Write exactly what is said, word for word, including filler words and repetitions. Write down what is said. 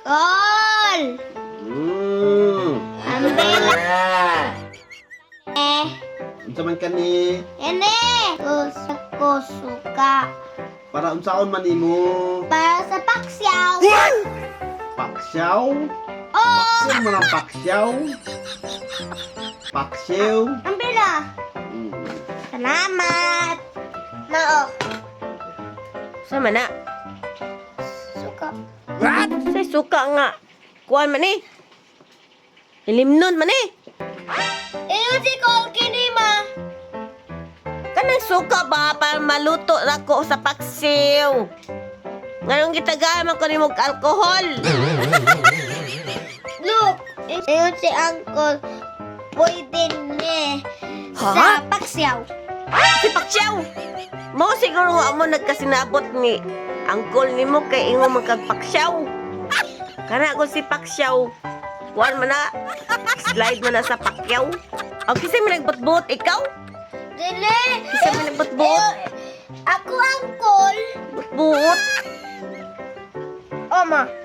Kol! Hmm. Umbrella. Eh, Unsa man kani? ene! Gusto ko suka. Para unsaon man imo? Para sa paksyaw. Paksyaw? Oh! Sino man ang paksyaw? Paksyaw? Umbrella. Hmm. Salamat. Nao. Sama na. Suka. Say suka nga. Kuan man eh. Ilimnon man eh. Iyo si Kol kini ma. Kanang suka ba para maluto nako sa paksiw. Nganong gitagaman ko nimog alcohol. Look, iyo si Uncle. Pwede ni Ha? sa paksyaw. Si paksiw. Mo siguro nga mo nagkasinabot ni angkol nimo kay ingo magkagpaksyaw. Kana ko si paksyaw. Kuan man na. Slide man na sa pakyaw. O kisa mo nagbutbut ikaw? Dili. Kisa mo nagbutbut? Ako Uncle. Butbut. Oma.